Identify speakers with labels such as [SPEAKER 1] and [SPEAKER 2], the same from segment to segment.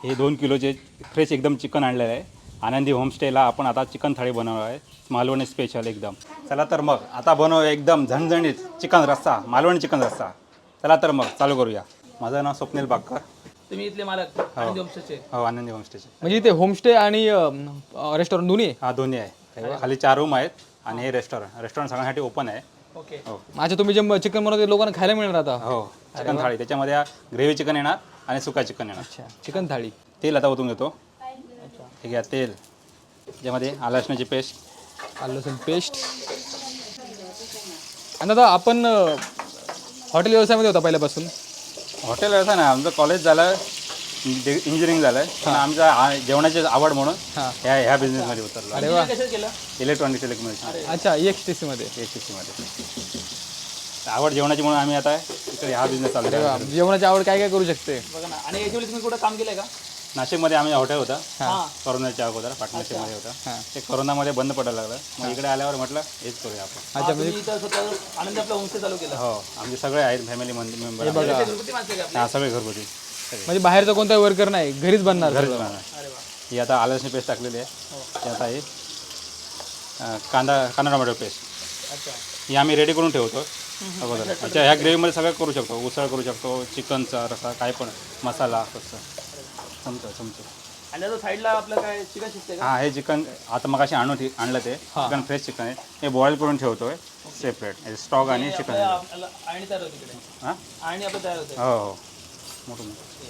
[SPEAKER 1] हे 2 किलोचे फ्रेश एकदम चिकन आणलेलं आहे. आनंदी होमस्टेला आपण आता चिकन थाळी बनवणार आहे, मालवणी स्पेशल एकदम. चला तर मग आता बनव एकदम झणझणीत चिकन रस्सा, मालवणी चिकन रस्सा. चला तर मग चालू करूया. माझं नाव स्वप्नील बागकर.
[SPEAKER 2] तुम्ही इथले मालक आनंदी होमस्टेचे?
[SPEAKER 1] हो, आनंदी होमस्टेचे.
[SPEAKER 3] म्हणजे इथे होमस्टे आणि रेस्टॉरंट दोन्ही आहे?
[SPEAKER 1] हा, दोन्ही आहे. खाली 4 रूम आहेत आणि हे रेस्टॉरंट सगळ्यांसाठी ओपन आहे.
[SPEAKER 2] ओके.
[SPEAKER 1] हो
[SPEAKER 3] अच्छा, तुम्ही जे चिकन बनवते लोकांना खायला मिळणार आता?
[SPEAKER 1] हो, चिकन थाळी. त्याच्यामध्ये ग्रेव्ही चिकन येणार आणि सुका चिकन येणार.
[SPEAKER 3] अच्छा, चिकन थाळी.
[SPEAKER 1] तेल आता ओतून घेतो. ठीक आहे, तेल. त्याच्यामध्ये आलं लसणाची पेस्ट.
[SPEAKER 3] आलं लसूण पेस्ट. आणि आता आपण हॉटेल व्यवसायामध्ये होता पहिल्यापासून?
[SPEAKER 1] हॉटेल व्यवसाय ना, आमचं कॉलेज झालं, इंजिनिअरिंग झालं, पण आमच्या जेवणाची आवड म्हणून ह्या बिझनेसमध्ये उतरलो.
[SPEAKER 3] अरे वा.
[SPEAKER 2] कसं केलं?
[SPEAKER 1] Electronics technology.
[SPEAKER 3] अच्छा, EXTC-मध्ये.
[SPEAKER 1] मध्ये आवड जेवणाची म्हणून आम्ही आता इकडे ह्या बिझनेस चालू
[SPEAKER 3] अरे वा,
[SPEAKER 1] केला.
[SPEAKER 3] जेवणाची आवड काय काय करू शकते?
[SPEAKER 2] बघा ना. आणि याच्यावेळी तुम्ही कुठं काम केलंय का?
[SPEAKER 1] नाशिकमध्ये आम्ही हॉटेल होता,
[SPEAKER 2] हां.
[SPEAKER 1] कोरोनाच्या अगोदर पार्टनरशिपमध्ये होता.
[SPEAKER 3] हां.
[SPEAKER 1] ते कोरोनामध्ये बंद पडायला लागलं. मग इकडे आल्यावर म्हटलं हेच करूया आपण.
[SPEAKER 3] अच्छा,
[SPEAKER 2] तुम्ही इथं स्वतः आनंदी आपला होमस्टे चालू केला?
[SPEAKER 1] हो, आमचे सगळे आहेत फॅमिली मेंबर.
[SPEAKER 3] बघा.
[SPEAKER 2] घरगुती माणसं आहे का?
[SPEAKER 1] हा, सगळे घरगुती.
[SPEAKER 3] म्हणजे बाहेरचा कोणताही वर्कर नाही, घरीच बनणार
[SPEAKER 1] घरीच
[SPEAKER 3] सगळं.
[SPEAKER 1] बनवणार.
[SPEAKER 2] अरे वा.
[SPEAKER 1] ही आता आलं लसणी पेस्ट टाकलेली आहे. ते आता हे कांदा टोमॅटो पेस्ट
[SPEAKER 2] अच्छा.
[SPEAKER 1] ही आम्ही रेडी करून ठेवतो अगोदर. अच्छा, ह्या ग्रेव्हीमध्ये सगळं करू शकतो. उसळ करू शकतो, चिकनचा रसा, काय पण मसाला कसं चमचो.
[SPEAKER 2] आणि आता साईडला आपलं काय चिकन शिजते का?
[SPEAKER 1] हां, हे चिकन आता मग आणलं ते चिकन, फ्रेश चिकन आहे. हे बॉईल करून ठेवतोय सेपरेट, स्टॉक आणि चिकन.
[SPEAKER 2] आपल्याला आणि तयार होते इकडे?
[SPEAKER 1] हां,
[SPEAKER 2] आणि आपलं तयार होतं?
[SPEAKER 1] हो हो, मोठं.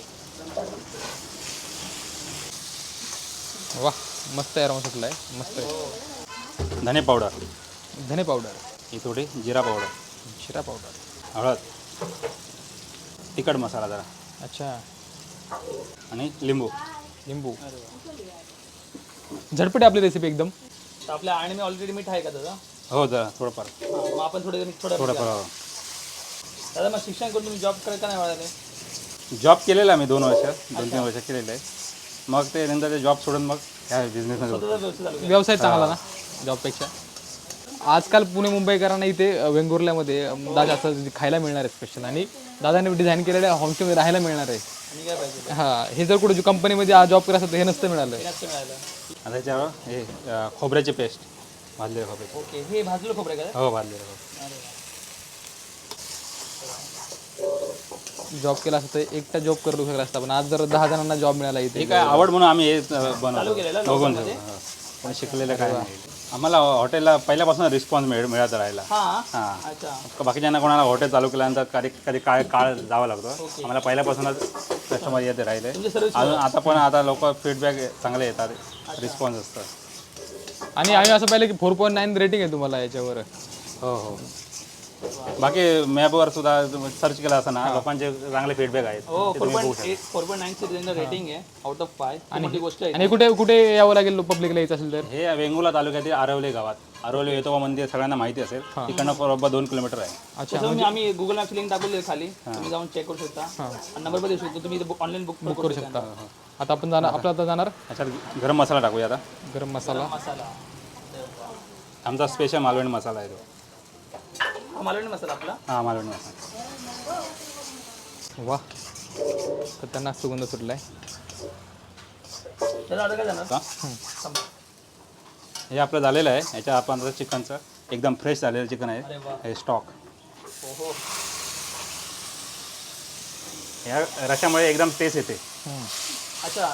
[SPEAKER 3] वा, मस्त आहे, रवा सुटला आहे, मस्त आहे.
[SPEAKER 1] धने पावडर,
[SPEAKER 3] धने पावडर,
[SPEAKER 1] ही थोडी जिरा पावडर,
[SPEAKER 3] शिरा पावडर,
[SPEAKER 1] हळद, तिखट मसाला जरा
[SPEAKER 3] अच्छा,
[SPEAKER 1] आणि लिंबू.
[SPEAKER 3] लिंबू. झटपट आहे आपली रेसिपी एकदम.
[SPEAKER 2] तर आपल्या आणि मी ऑलरेडी मीठ आहे का दादा?
[SPEAKER 1] हो, जरा थोडंफार
[SPEAKER 2] मग आपण थोडंफार
[SPEAKER 1] हो.
[SPEAKER 2] दादा, मग शिक्षण करून तुम्ही जॉब करायला नाही मिळाले?
[SPEAKER 1] जॉब केलेला मी 2-3 वर्ष केलेलं आहे. मग ते नंतर ते जॉब सोडून मग ह्या बिझनेसमध्ये
[SPEAKER 2] स्वतःचा व्यवसाय चालू केला?
[SPEAKER 3] व्यवसाय चांगला ना जॉबपेक्षा. आजकाल पुणे मुंबईकरांना इथे वेंगुर्ल्यामध्ये दादा असं खायला मिळणार आहे स्पेशल, आणि दादाने डिझाईन केलेल्या होमस्टेमध्ये राहायला मिळणार आहे.
[SPEAKER 2] आणि काय पाहिजे?
[SPEAKER 3] हां, हे जर कुठे कंपनीमध्ये जॉब करत असेल तर हे नसतं मिळालं.
[SPEAKER 2] हे नसतं मिळालं.
[SPEAKER 1] आता त्याच्यावर हे खोबऱ्याची पेस्ट, भाजलेलं खोबरे.
[SPEAKER 2] ओके. हे भाजलेलं खोबरं आहे का?
[SPEAKER 1] हो, भाजलेलं खोबरं.
[SPEAKER 2] अरे वा.
[SPEAKER 3] जॉब केला असतं तर एकटा जॉब करू शकला असता, पण आज जर 10 जणांना जॉब मिळाला
[SPEAKER 1] हे
[SPEAKER 3] इथे.
[SPEAKER 1] काय आवड म्हणून आम्ही हे
[SPEAKER 2] चालू
[SPEAKER 1] बनवतो,
[SPEAKER 2] केलेलं
[SPEAKER 1] बघून
[SPEAKER 2] लॉकडाऊनमध्ये?
[SPEAKER 1] पण शिकलेलं काय नाही. आम्हाला हॉटेलला पहिल्यापासून रिस्पॉन्स मिळत राहिला.
[SPEAKER 2] हां.
[SPEAKER 1] हां,
[SPEAKER 2] अच्छा.
[SPEAKER 1] बाकीच्यांना कोणाला हॉटेल चालू केल्यानंतर कधी काळ जावं लागतो. आम्हाला पहिल्यापासूनच कस्टमर येते राहिले.
[SPEAKER 2] तुमची सर्विस
[SPEAKER 1] अजून आता लोक फीडबॅक चांगले येतात, रिस्पॉन्स असतात.
[SPEAKER 3] आणि आम्ही असं पाहिलं की 4.9 रेटिंग आहे तुम्हाला याच्यावर.
[SPEAKER 1] हो हो. बाकी मॅपवर सुद्धा सर्च केला असताना लोकांचे चांगले फीडबॅक आहेत.
[SPEAKER 2] हो.
[SPEAKER 1] ते तुम्ही बघू शकता.
[SPEAKER 2] 4.9 रेटिंग आहे आउट ऑफ 5. आणि मोठी गोष्ट आहे.
[SPEAKER 3] आणि कुठे कुठे यावं लागेल पब्लिकला यायचं असेल तर?
[SPEAKER 1] हे वेंगुर्ला तालुक्यातील आरवली गावात, आरवली येतोबा मंदिर सगळ्यांना माहिती असेल. तिकडनं बरोबर 2 किलोमीटर आहे.
[SPEAKER 3] अच्छा,
[SPEAKER 2] तसं आम्ही गुगल मॅपची लिंक टाकलेली आहे खाली, तुम्ही जाऊन चेक करू शकता. आणि नंबर पण देऊ शकतो तुम्ही, ऑनलाईन बुक
[SPEAKER 3] करू शकता. आता आपण जाणार, आपलं आता जाणार
[SPEAKER 1] त्याच्यात गरम मसाला टाकूया आता.
[SPEAKER 3] गरम मसाला.
[SPEAKER 2] मसाला.
[SPEAKER 1] आमचा स्पेशल मालवणी मसाला आहे तो.
[SPEAKER 2] मालवणी मसाला आपला.
[SPEAKER 1] हां, मालवणी मसाला.
[SPEAKER 3] वा, तर त्यांना सुगंध सुटलाय.
[SPEAKER 2] त्याला ऑर्डर काय जाणार?
[SPEAKER 1] का? हे आपलं झालेलं आहे. ह्याच्या आपण आता चिकनचं एकदम फ्रेश झालेलं चिकन
[SPEAKER 2] अरे
[SPEAKER 1] आहे.
[SPEAKER 2] वा.
[SPEAKER 1] हे स्टॉक.
[SPEAKER 2] ओहो.
[SPEAKER 1] ह्या रशामुळे एकदम टेस्ट येते.
[SPEAKER 2] अच्छा.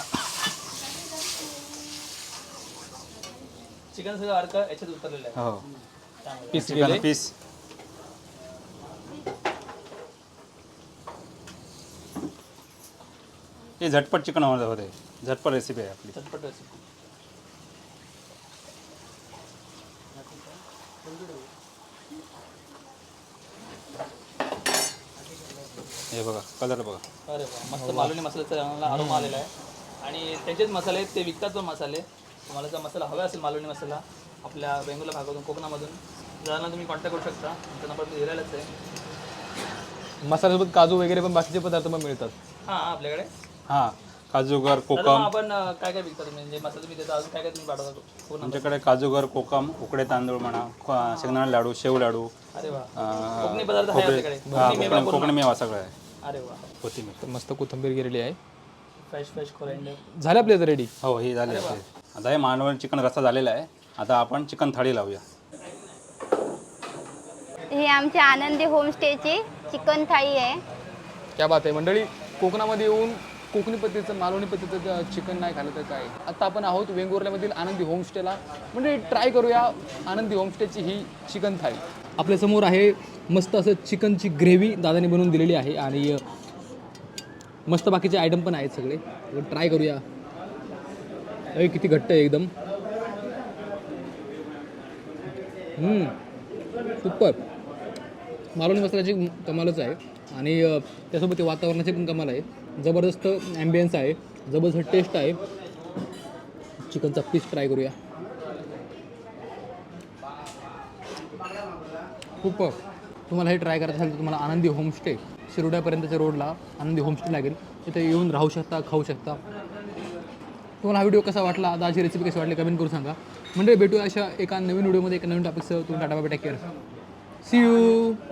[SPEAKER 2] चिकन सगळं अर्क याच्यात उतरलेलं आहे.
[SPEAKER 1] हो,
[SPEAKER 3] पीस
[SPEAKER 1] चिकन
[SPEAKER 3] गेले.
[SPEAKER 1] पीस. हे झटपट चिकन होते. झटपट रेसिपी आहे आपली.
[SPEAKER 2] चटपट रेसिपी.
[SPEAKER 1] हे बघा, कलर बघा.
[SPEAKER 2] अरे वा, मस्त मालवणी मसाल्याचा चांगला अरोमा आलेला आहे. आणि त्यांचेच मसाले आहेत, ते विकतात पण मसाले. तुम्हाला जर मसाला हवा असेल मालवणी मसाला आपल्या वेंगुर्ला भागातून, कोकणामधून, जरांना तुम्ही कॉन्टॅक्ट करू शकता. तुमचा नंबर मी दिलेलाच आहे.
[SPEAKER 3] मसाल्यासोबत काजू वगैरे पण बाकीचे पदार्थ पण मिळतात.
[SPEAKER 2] हां, आपल्याकडे.
[SPEAKER 1] हां, काजूगर,
[SPEAKER 2] दादा,
[SPEAKER 1] कोकम.
[SPEAKER 2] मग आपण काय काय विकता तुम्ही? म्हणजे मसाला तुम्ही देता, अजून काय काय तुम्ही पाठवता पूर्ण?
[SPEAKER 1] आमच्याकडे काजूगर, कोकम, उकडे तांदूळ म्हणा, शेंगदाणा लाडू, शेव लाडू,
[SPEAKER 2] अरे वा. कोकणी पदार्थ आहे आपल्याकडे.
[SPEAKER 1] कोकणी मेवा सगळं आहे.
[SPEAKER 2] अरे वा.
[SPEAKER 1] कोथिंबीर.
[SPEAKER 3] तर मस्त कोथिंबीर गेलेली आहे.
[SPEAKER 2] Fresh fresh coriander.
[SPEAKER 3] झाले आपले रेडी.
[SPEAKER 1] हो हे झाले आपले. आता हे मालवणी चिकन रस्सा झालेला आहे. आता आपण चिकन थाळी लावूया.
[SPEAKER 4] ही आमच्या आनंदी होमस्टेची चिकन थाळी आहे.
[SPEAKER 3] क्या बात आहे मंडळी. कोकणामध्ये येऊन कोकणी पद्धतीचं मालवणी पद्धतीचं चिकन नाही खाल्लं तर काय. आता आपण आहोत वेंगुर्ल्यामधील आनंदी होमस्टेला. म्हणजे ट्राय करूया आनंदी होमस्टेची ही चिकन थाळी. आपल्यासमोर आहे मस्त असं चिकनची ग्रेव्ही दादाने बनवून दिलेली आहे आणि मस्त बाकीचे आयटम पण आहेत सगळे. ट्राय करूया. अरे किती घट्ट आहे एकदम. सुपर. मालवणी मसाल्याची कमालच आहे आणि त्यासोबत ते वातावरणाची पण कमाल आहे. जबरदस्त ॲम्बियन्स आहे, जबरदस्त टेस्ट आहे. चिकनचा पीस ट्राय करूया. खूप. तुम्हाला हे ट्राय करायचं असेल तर तुम्हाला आनंदी होमस्टे शिरोड्यापर्यंतच्या रोडला आनंदी होमस्टे लागेल. तिथे येऊन राहू शकता, खाऊ शकता. तुम्हाला हा व्हिडिओ कसा वाटला, आजची रेसिपी कशी वाटली कमेंट करून सांगा. म्हणजे भेटूया अशा एका नवीन व्हिडिओमध्ये एका नवीन टॉपिकसह. तुम्ही tata bye, take care, see you.